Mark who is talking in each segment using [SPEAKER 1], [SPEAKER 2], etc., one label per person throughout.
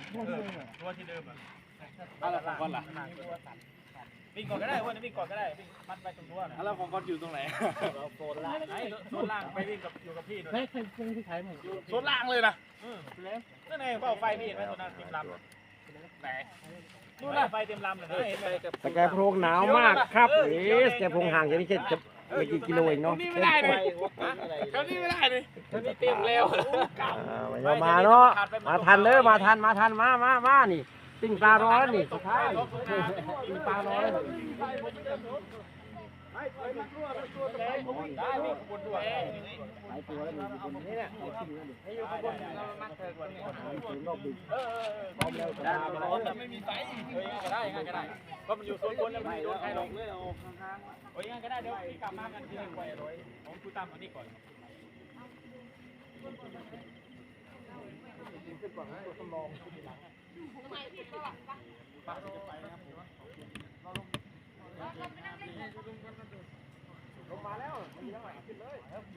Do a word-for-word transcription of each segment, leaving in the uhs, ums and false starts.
[SPEAKER 1] ตัวที่เดิมอ่ะอะไรของก้อนล่ะวิ่งก่อนก็ได้วันนี้วิ่งก่อนก็ได้วิ่งมัดไปตรงรั้วนะแล้วของก้อนอยู่ตรงไหนโซนล่างไอ้โซนล่างไปวิ่งกับอยู่กับพี่ด้วยใช่ใช่ที่ใช้หมดโซนล่างเลยนะนั่นไงเป้าไฟพี่เห็นไหมตัวนั้นเต็มลำไหนนู่นน่ะไฟเต็มลำเลยนะเห็นไหม
[SPEAKER 2] สแกโพรงหนาวมากครับเอ๊ะสแกโพรงห่างจากนี่แค่จะไม่กี่กิโลเองเนาะ
[SPEAKER 1] นี่ไม่ได้เลยแถวนี้ไม่ได้เลยแถวนี้เต็มแล้ว
[SPEAKER 2] อ่ามาเนาะมาทันเด้อมาทันมาทันมามามานี่ปิ้งปลาร้อนนี่สุดท้ายปิ้งปลาร้อน
[SPEAKER 1] ได้วิ่งบนด้วย
[SPEAKER 2] หลายตัวแล้วมีคนนี่แหละไอ้ขึ้นนี่ให้อยู่ข้างบนมัดเธอคนนี้ถึงรอบดึกเออพร้อมแล้วได้
[SPEAKER 1] ไม่มีไฟเฮ้ยก็ได้งั้นก็ได้เพราะมันอยู่โซนบนแล้วมันไม่โดนใครลงเลยเอาข้างๆโอ้ยงั้นก็ได้เดี๋ยวพี่กลับมากันที่หนึ่งไปร้อยผมคุยตามอันนี้ก่อนขึ้นก่อนนะตัวสำรองทีหลังป้าจะไปนะครับผมเราลงลงมาแล้วมีทั้งหลายขึ้นเลย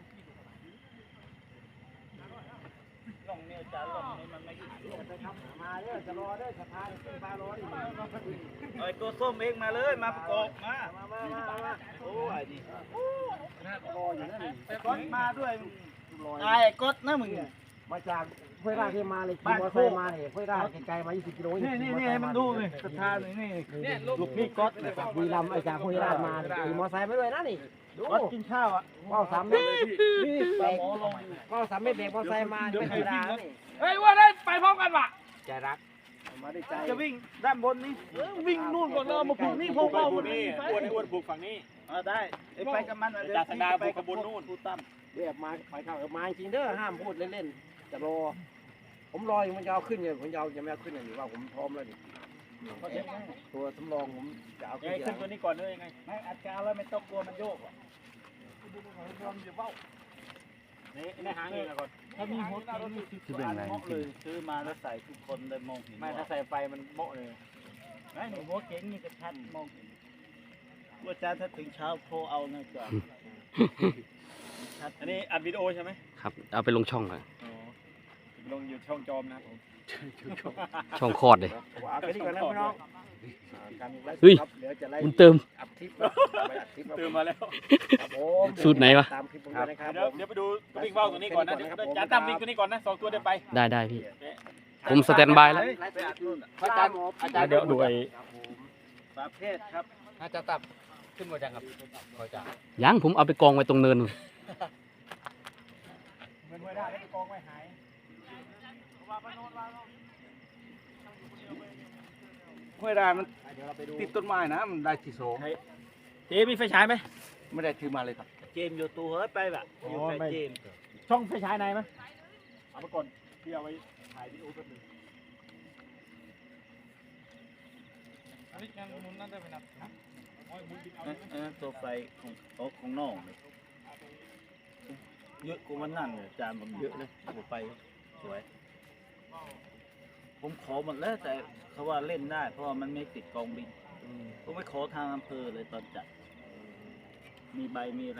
[SPEAKER 1] ลงเนี่ยจะลงนี่มันไม่จะทำมาเด้อจะรอเด้อสะพานเป็นปลารอดิไอ้ตัวส้มเองมาเลยมาประกอบมามามามาโอ้ยดิรออยู่นั่นก้อนมาด้วยไอ้ก้อนนะมึง
[SPEAKER 2] มาจากห้วยราชที่มาเลยขี่มอเตอร์ไซค์มาเนี่ยห้วยราชไกลๆมายี่สิบกิโลนี่
[SPEAKER 1] นี่นี่มันดูเลยสะพานนี่นี่ลูกพี่ก๊อตเลย
[SPEAKER 2] บุรีรัมย์ไอ้จากห้วยราชมาขี่มอเตอร์ไซค์มาด้วยนะนี่ดู
[SPEAKER 1] ก๊อตกินข้าวอ่ะ
[SPEAKER 2] ว้าวสามเมตรนี่เบรกว้าวสามเมตรเบรกมอเตอร์ไซค์มาไม่ธรรมดานี่
[SPEAKER 1] เฮ้ยว่าได้ไปพร้อมกันว่ะ
[SPEAKER 2] ใจรักมาได้ใจ
[SPEAKER 1] จะวิ่งด้านบนนี่วิ่งนู่นก่อนเรามาผูกนี่พวกเราบนนี่อ้วนอ้วนผูกฝั่งนี้
[SPEAKER 3] เออได้ไปกับมัน
[SPEAKER 1] จากสดาผูกขบวนนู่น
[SPEAKER 3] พูดตั้ม
[SPEAKER 2] เรียกมาไปเข้ามาจริงเด้อห้ามพูดเล่นๆจะรอผมรออยู่มันจะเอาขึ้นเนี่ยผมจะเอาจะไม่เอาขึ้นนี่ว่าผมพร้อมแล้วดิตัวสำรองผมจะเอาขึ้น
[SPEAKER 1] ขึ้นตัวนี้ก่อนเลยยังไง
[SPEAKER 3] ไม่อัดกาวแล้วไม่ต้องกลัวมันโยกหรอก
[SPEAKER 1] นี่ในหางเองก่อน
[SPEAKER 3] ถ้ามีหัวเราที่เป็นอะไรเลยซื้อมาแล้วใส่ทุกคนเลยมองเห็น
[SPEAKER 1] ไม่ถ้าใส่ไฟมันโมเลย
[SPEAKER 3] ไม่หนูหัวเก๋งนี่จะชัดมองเห็นว่าจ้าถ้าถึงเช้าโทรเอานะจ๊ะ
[SPEAKER 1] อันนี้อัดวิดีโอใช่ไหม
[SPEAKER 4] ครับเอาไปลงช่องเลย
[SPEAKER 1] ลงอยู่ช่องจอมนะผม
[SPEAKER 4] ช่องคอดเลย
[SPEAKER 2] เอาไปนี่ก่อนนะพี่น้อง
[SPEAKER 4] เฮ้ยบุญเติม
[SPEAKER 1] เติมมาแล้ว
[SPEAKER 4] สูตรไหนวะ
[SPEAKER 1] เดี๋ยวเดี๋ยวไปดูวิ่งว่าวตัวนี้ก่อนนะจะตามวิ่งตัวนี้ก่อนนะสองตัวเดี๋ยวไป
[SPEAKER 4] ได้ได้พี่ผมสแตนบายแล้ว
[SPEAKER 1] อาจารย์อาจารย์เดี๋ยวดูไอ้
[SPEAKER 3] ประเภทครับ
[SPEAKER 1] อาจารย์ตับขึ้นมาจังครับขอจ่า
[SPEAKER 4] ยังผมเอาไปกองไว้ตรงเนินนู่น
[SPEAKER 1] เงินไว้ได้แล้วไปกองไว้หาย
[SPEAKER 3] ห้วยรามันติดต้นไม้นะมันได้ที่สอง
[SPEAKER 1] เจมีไฟฉายไหม
[SPEAKER 3] ไม่ได้ถือมาเลยครับเจมอยู่ตัวเฮ้ยไปแบบอยู่ไปเจม
[SPEAKER 1] ช่องไฟฉายไหนไหมเอาไปก่อนที่เอาไว้ถ่ายวิดีโอแป๊บนึงอันนี้ยังมุนนั่นได้ไหมนะ
[SPEAKER 3] ตัวไฟของของของน้องเยอะกว่ามันนั่นเลยจานมันเยอะเลยตัวไฟสวยผมขอหมดแล้วแต่เขาว่าเล่นได้เพราะว่ามันไม่ติดกองบินผมไม่ขอทางอำเภอเลยตอนจัดมีใบมีอะไร